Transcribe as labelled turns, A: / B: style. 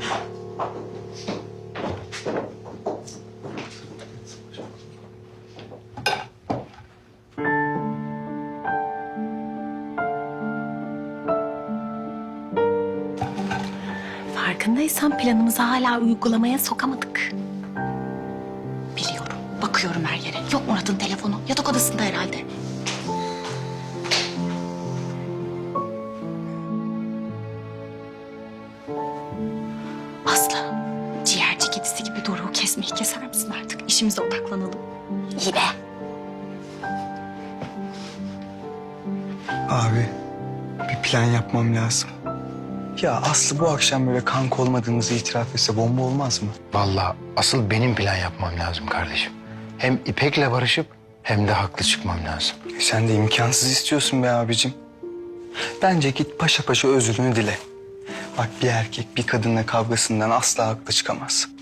A: Farkındaysan planımızı hala uygulamaya sokamadık.
B: Biliyorum. Bakıyorum her yere. Yok Murat'ın telefonu. Yatak odasında herhalde. Aslı, ciğerci kedisi gibi Doruk'u kesmeyi keser misin artık? İşimize odaklanalım. İyi be.
C: Abi, bir plan yapmam lazım. Ya Aslı bu akşam böyle kanka olmadığımızı itiraf etse bomba olmaz mı?
D: Vallahi asıl benim plan yapmam lazım kardeşim. Hem İpek'le barışıp hem de haklı çıkmam lazım.
C: Sen de imkansız istiyorsun be abicim. Bence git paşa paşa özrünü dile. Bak bir erkek bir kadınla kavgasından asla haklı çıkamaz.